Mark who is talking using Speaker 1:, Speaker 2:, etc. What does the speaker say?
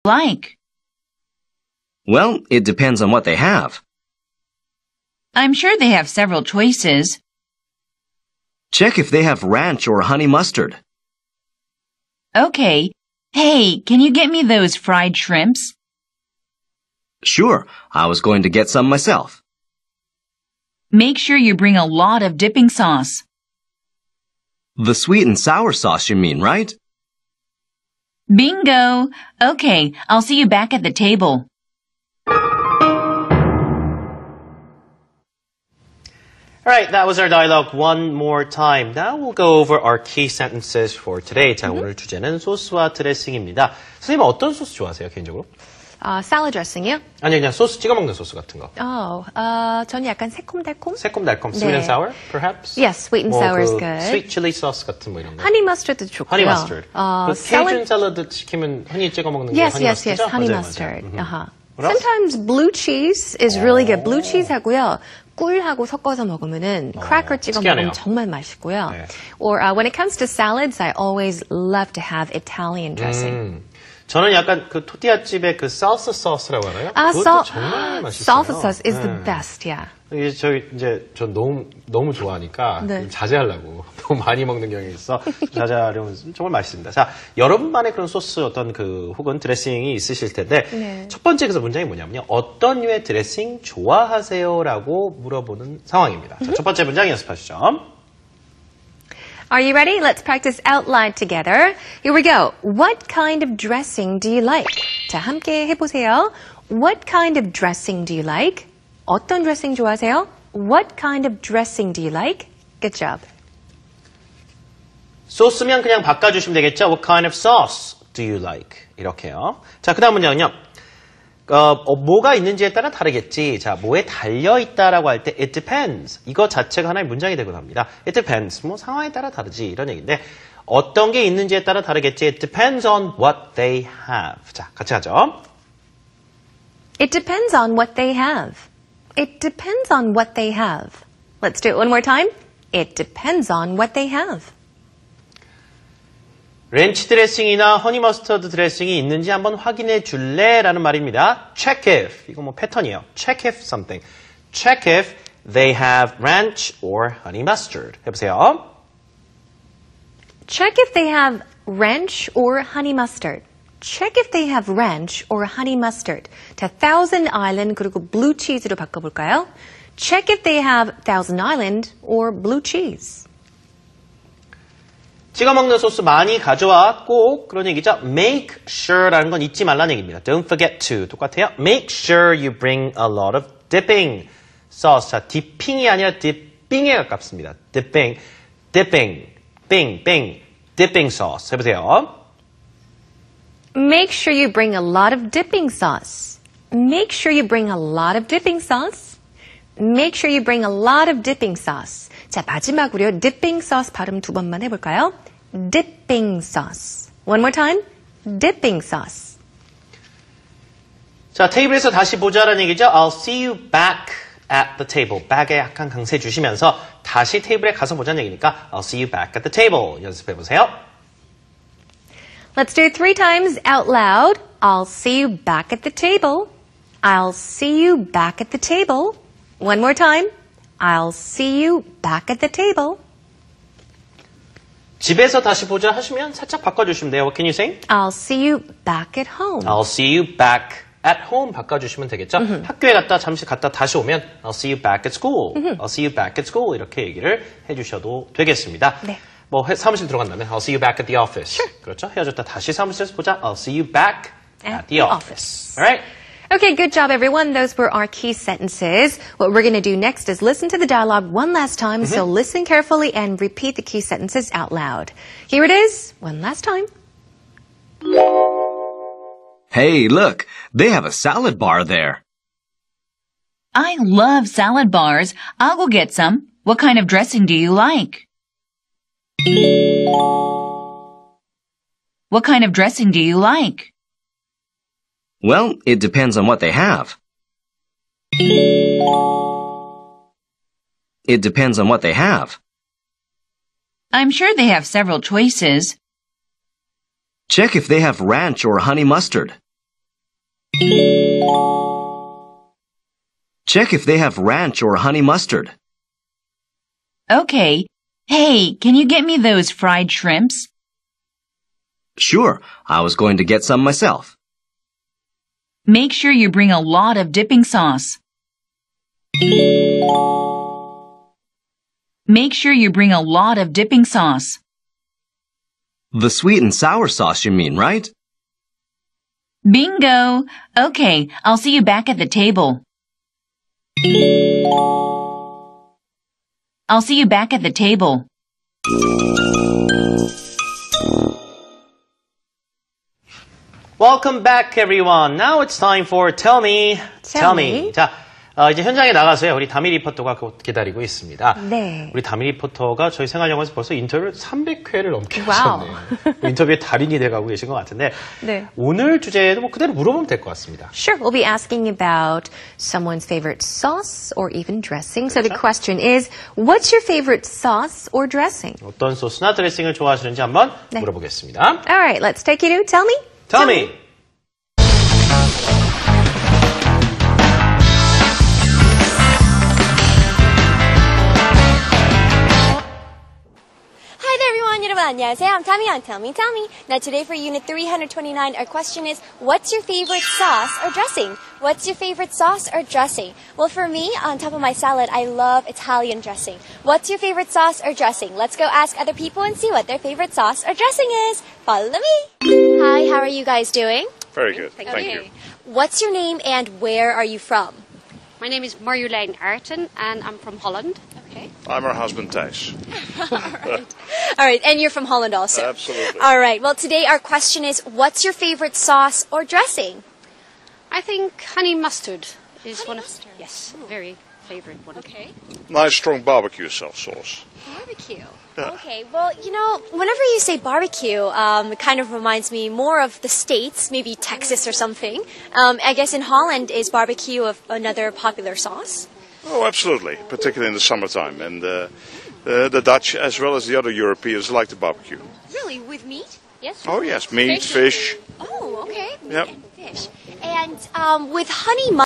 Speaker 1: like?
Speaker 2: Well, it depends on what they have.
Speaker 1: I'm sure they have several choices.
Speaker 2: Check if they have ranch or honey mustard.
Speaker 1: Okay. Hey, can you get me those fried shrimps?
Speaker 2: Sure, I was going to get some myself.
Speaker 1: Make sure you bring a lot of dipping sauce.
Speaker 2: The sweet and sour sauce you mean, right?
Speaker 1: Bingo! Okay, I'll see you back at the table.
Speaker 3: Alright, that was our dialogue one more time. Now we'll go over our key sentences for today. 자, 오늘 주제는 소스와 드레싱입니다. 선생님 어떤 소스 좋아하세요, 개인적으로?
Speaker 4: salad dressing이요?
Speaker 3: 아니, 그냥 소스, 찍어 먹는 소스 같은 거.
Speaker 4: 저는 약간 새콤달콤?
Speaker 3: 새콤달콤, sweet and sour, perhaps?
Speaker 4: Yes, sweet and sour is good.
Speaker 3: sweet chili sauce 같은 뭐 이런 거.
Speaker 4: honey mustard도 좋고요.
Speaker 3: honey mustard. 그 Cajun 샐러드 시키면 흔히 찍어 먹는 거
Speaker 4: yes,
Speaker 3: honey
Speaker 4: yes,
Speaker 3: mustard죠?
Speaker 4: yes, honey
Speaker 3: 맞아요,
Speaker 4: mustard.
Speaker 3: 맞아요. What else?
Speaker 4: Sometimes blue cheese is really good. blue cheese 하고요. 꿀하고 섞어서 먹으면은 cracker 찍어
Speaker 3: 특이하네요.
Speaker 4: 먹으면 정말 맛있고요.
Speaker 3: 네.
Speaker 4: Or when it comes to salads, I always love to have Italian dressing.
Speaker 3: 저는 약간 그 토티아집의 그 salsa sauce라고 하나요? 그것도 정말 맛있어요.
Speaker 4: Salsa sauce is the best, yeah.
Speaker 3: 이게 전 너무 좋아하니까
Speaker 4: 네.
Speaker 3: 좀 자제하려고 너무 많이 먹는 경향이 있어 자제하려면 정말 맛있습니다. 자, 여러분만의 그런 소스 어떤 그 혹은 드레싱이 있으실 텐데
Speaker 4: 네.
Speaker 3: 첫 번째 그래서 문장이 뭐냐면요, 어떤 류의 드레싱 좋아하세요?라고 물어보는 상황입니다. 자, 첫 번째 문장 연습하시죠.
Speaker 4: Are you ready? Let's practice out loud together. Here we go. What kind of dressing do you like? 자, 함께 해보세요. What kind of dressing do you like? 어떤 드레싱 좋아하세요? What kind of dressing do you like? Good job.
Speaker 3: 소스면 그냥 바꿔주시면 되겠죠. What kind of sauce do you like? 이렇게요. 자, 그 다음 문장은요. 뭐가 있는지에 따라 다르겠지. 자, 뭐에 달려있다라고 할 때 it depends. 이거 자체가 하나의 문장이 되곤 합니다. It depends. 뭐 상황에 따라 다르지. 이런 얘기인데 어떤 게 있는지에 따라 다르겠지. It depends on what they have. 자, 같이 하죠.
Speaker 4: It depends on what they have. It depends on what they have. Let's do it one more time. It depends on what they have.
Speaker 3: 렌치 드레싱이나 허니 머스터드 드레싱이 있는지 한번 확인해 줄래? 라는 말입니다. Check if. 이거 뭐 패턴이에요. Check if something. Check if they have ranch or honey mustard. 해보세요.
Speaker 4: Check if they have ranch or honey mustard. Check if they have ranch or honey mustard. 자, Thousand Island 그리고 blue cheese로 바꿔볼까요? Check if they have Thousand Island or blue cheese.
Speaker 3: 찍어 먹는 소스 많이 가져와. 꼭 그런 얘기죠. Make sure라는 건 잊지 말라는 얘기입니다. Don't forget to. 똑같아요. Make sure you bring a lot of dipping sauce. 자, dipping이 아니라 dipping에 가깝습니다. dipping, dipping sauce. 해보세요.
Speaker 4: Make sure you bring a lot of dipping sauce. Make sure you bring a lot of dipping sauce. Make sure you bring a lot of dipping sauce. 자, 마지막으로요. dipping sauce 발음 두 번만 해볼까요? dipping sauce. One more time. dipping sauce.
Speaker 3: 자, 테이블에서 다시 보자라는 얘기죠. I'll see you back at the table. back에 약간 강세 주시면서 다시 테이블에 가서 보자는 얘기니까 I'll see you back at the table. 연습해보세요.
Speaker 4: Let's do it 3 times out loud. I'll see you back at the table. I'll see you back at the table. One more time. I'll see you back at the table.
Speaker 3: 집에서 다시 보자 하시면 살짝 바꿔주시면 돼요. What can you say?
Speaker 4: I'll see you back at home.
Speaker 3: I'll see you back at home 바꿔주시면 되겠죠. 학교에 갔다 잠시 갔다 다시 오면 I'll see you back at school. I'll see you back at school 이렇게 얘기를 해주셔도 되겠습니다.
Speaker 4: 네.
Speaker 3: 뭐 사무실 들어간 다음에 I'll see you back at the office.
Speaker 4: Sure.
Speaker 3: 그렇죠. 헤어졌다 다시 사무실에서 보자. I'll see you back at the office. Alright?
Speaker 4: Okay, good job, everyone. Those were our key sentences. What we're going to do next is listen to the dialogue one last time. So listen carefully and repeat the key sentences out loud. Here it is, one last time.
Speaker 2: Hey, look, they have a salad bar there.
Speaker 1: I love salad bars. I'll go get some. What kind of dressing do you like? What kind of dressing do you like?
Speaker 2: Well, it depends on what they have. It depends on what they have.
Speaker 1: I'm sure they have several choices.
Speaker 2: Check if they have ranch or honey mustard. Check if they have ranch or honey mustard.
Speaker 1: Okay. Hey, can you get me those fried shrimps?
Speaker 2: Sure, I was going to get some myself.
Speaker 1: Make sure you bring a lot of dipping sauce. Make sure you bring a lot of dipping sauce.
Speaker 2: The sweet and sour sauce you mean, right?
Speaker 1: Bingo! Okay, I'll see you back at the table. I'll see you back at the table.
Speaker 3: Welcome back, everyone. Now it's time for Tell Me.
Speaker 4: Tell me.
Speaker 3: 자, 이제 현장에 나가서요. 우리 다미 리포터가 곧 기다리고 있습니다.
Speaker 4: 네.
Speaker 3: 우리 다미 리포터가 저희 생활영화에서 벌써 인터뷰를 300회를 넘게
Speaker 4: 와우.
Speaker 3: 하셨네요. 인터뷰의 달인이 돼가고 계신 것 같은데
Speaker 4: 네.
Speaker 3: 오늘 주제도 뭐 그대로 물어보면 될 것 같습니다.
Speaker 4: Sure, we'll be asking about someone's favorite sauce or even dressing. So the question is, what's your favorite sauce or dressing?
Speaker 3: 어떤 소스나 드레싱을 좋아하시는지 한번
Speaker 4: 네.
Speaker 3: 물어보겠습니다.
Speaker 4: All right, let's take you to Tell Me.
Speaker 3: Tell me.
Speaker 5: Hi there everyone, 여러분 안녕하세요. I'm Tammy on Tell Me, Tell Me. Now today for Unit 329, our question is, what's your favorite sauce or dressing? What's your favorite sauce or dressing? Well, for me, on top of my salad, I love Italian dressing. What's your favorite sauce or dressing? Let's go ask other people and see what their favorite sauce or dressing is. Follow me. Hi, how are you guys doing?
Speaker 6: Very good. Thank you.
Speaker 5: What's your name and where are you from?
Speaker 7: My name is Marjolein Aerten and I'm from Holland.
Speaker 5: Okay.
Speaker 6: I'm her husband, Thijs.
Speaker 5: All right, and you're from Holland also.
Speaker 6: Absolutely.
Speaker 5: All right, well today our question is, what's your favorite sauce or dressing?
Speaker 7: I think honey mustard is
Speaker 5: Honey
Speaker 7: one
Speaker 5: mustard.
Speaker 7: of yes, very favorite one.
Speaker 5: Okay.
Speaker 6: Nice strong barbecue sauce.
Speaker 5: Barbecue. Okay, well, you know, whenever you say barbecue, it kind of reminds me more of the States, maybe Texas or something. I guess in Holland, is barbecue another popular sauce?
Speaker 6: Oh, absolutely, particularly in the summertime. And the Dutch, as well as the other Europeans, like the barbecue.
Speaker 5: Really, with meat? Yes.
Speaker 6: Oh, yes, meat, fish.
Speaker 5: Oh, okay. Meat
Speaker 6: Yep.
Speaker 5: and fish. And with honey